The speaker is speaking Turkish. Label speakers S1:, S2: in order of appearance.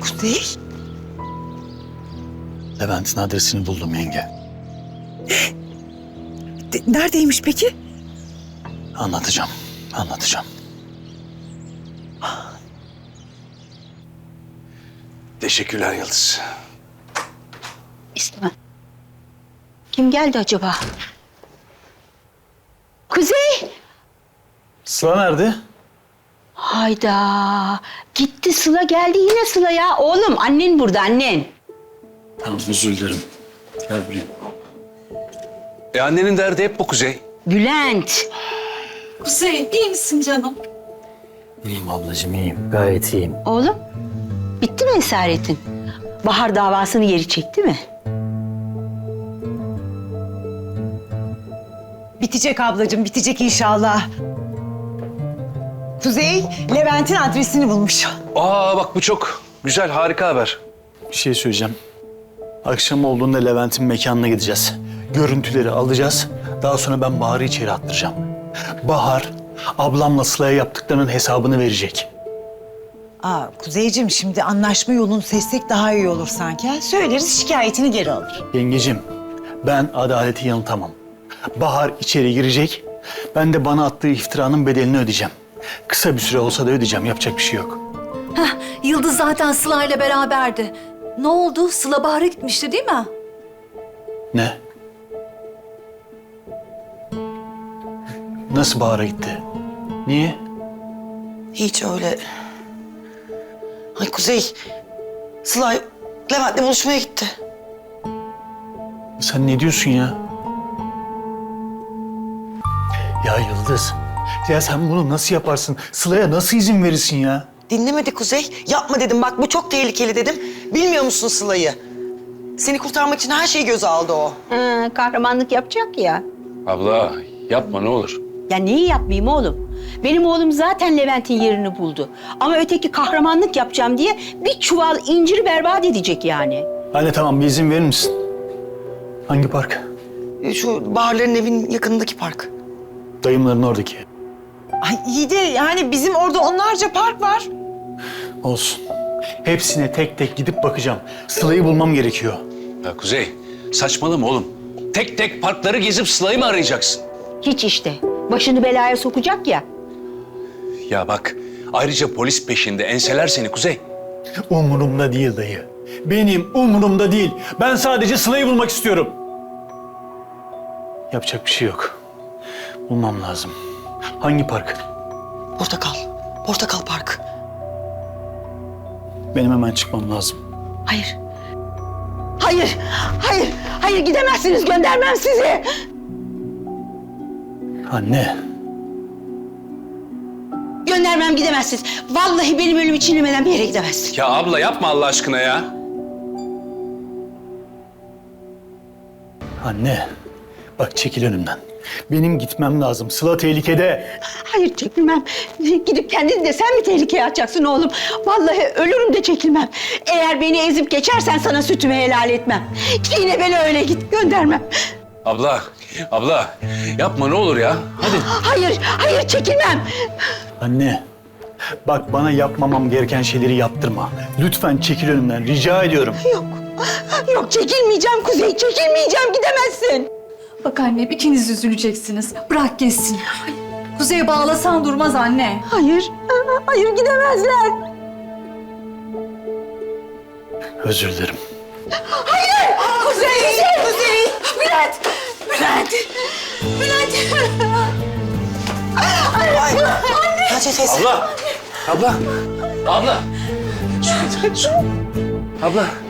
S1: Kuzey?
S2: Levent'in adresini buldum yenge.
S1: Neredeymiş peki?
S2: Anlatacağım. Teşekkürler Yıldız.
S3: İstemem. Kim geldi acaba? Kuzey!
S2: Sıla nerede?
S3: Hayda! Gitti Sıla geldi yine Sıla ya. Oğlum annen burada annen.
S2: Tamam özür dilerim. Gel buraya.
S4: Annenin derdi hep bu Kuzey.
S3: Bülent!
S5: Kuzey, iyi misin canım?
S2: İyiyim ablacığım iyiyim. Gayet iyiyim.
S3: Oğlum bitti mi esaretin? Bahar davasını geri çekti mi?
S1: Bitecek ablacığım, bitecek inşallah. Kuzey, Levent'in adresini bulmuş.
S4: Aa bak bu çok güzel, harika haber.
S2: Bir şey söyleyeceğim. Akşam olduğunda Levent'in mekanına gideceğiz. Görüntüleri alacağız. Daha sonra ben Bahar'ı içeri attıracağım. Bahar, ablamla Sıla'ya yaptıklarının hesabını verecek.
S1: Kuzeyciğim şimdi anlaşma yolunu seçsek daha iyi olur sanki. Ha? Söyleriz şikayetini geri alır.
S2: Yengecim, ben adaleti yanıltamam. Bahar içeri girecek. Ben de bana attığı iftiranın bedelini ödeyeceğim. Kısa bir süre olsa da ödeyeceğim. Yapacak bir şey yok.
S5: Yıldız zaten Sıla ile beraberdi. Ne oldu? Sıla Bahar'a gitmişti değil mi?
S2: Ne? Nasıl Bahar'a gitti? Niye?
S6: Hiç öyle. Ay Kuzey, Sıla Levent'le buluşmaya gitti.
S2: Sen ne diyorsun ya? Ya Yıldız, ya sen bunu nasıl yaparsın? Sıla'ya nasıl izin verirsin ya?
S6: Dinlemedi Kuzey. Yapma dedim bak bu çok tehlikeli dedim. Bilmiyor musun Sıla'yı? Seni kurtarmak için her şeyi göze aldı o.
S3: Kahramanlık yapacak ya.
S4: Abla yapma ne olur.
S3: Ya neyi yapmayayım oğlum? Benim oğlum zaten Levent'in yerini buldu. Ama öteki kahramanlık yapacağım diye bir çuval inciri berbat edecek yani.
S2: Anne tamam bir izin verir misin? Hangi park?
S6: Şu Bahar'ların evinin yakınındaki park.
S2: Dayımların oradaki.
S1: Ay iyi de yani bizim orada onlarca park var.
S2: Olsun. Hepsine tek tek gidip bakacağım. Sıla'yı bulmam gerekiyor.
S4: Ya Kuzey saçmalama oğlum. Tek tek parkları gezip Sıla'yı mı arayacaksın?
S3: Hiç işte. Başını belaya sokacak ya.
S4: Ya bak ayrıca polis peşinde enseler seni Kuzey.
S2: Umurumda değil dayı. Benim umurumda değil. Ben sadece Sıla'yı bulmak istiyorum. Yapacak bir şey yok. Bulmam lazım. Hangi park?
S6: Portakal. Portakal Park.
S2: Benim hemen çıkmam lazım.
S3: Hayır. Hayır. Hayır. Hayır gidemezsiniz. Göndermem sizi.
S2: Anne.
S3: Göndermem gidemezsiniz. Vallahi benim ölümü çiğnemeden bir yere gidemezsin.
S4: Ya abla yapma Allah aşkına ya.
S2: Anne. Bak çekil önümden. Benim gitmem lazım. Sıla tehlikede.
S3: Hayır çekilmem. Gidip kendini de sen mi tehlikeye atacaksın oğlum? Vallahi ölürüm de çekilmem. Eğer beni ezip geçersen sana sütümü helal etmem. Yine beni öyle git göndermem.
S4: Abla yapma ne olur ya. Hadi.
S3: Hayır çekilmem.
S2: Anne. Bak bana yapmamam gereken şeyleri yaptırma. Lütfen çekil önümden. Rica ediyorum.
S3: Yok çekilmeyeceğim Kuzey, çekilmeyeceğim gidemezsin.
S5: Bak anne, ikiniz üzüleceksiniz. Bırak geçsin. Kuzey'e bağlasan durmaz anne.
S3: Hayır gidemezler.
S2: Özür dilerim.
S3: Kuzey! Bülent!
S6: Hacı teyze.
S4: Abla. Su getir. Su. Abla.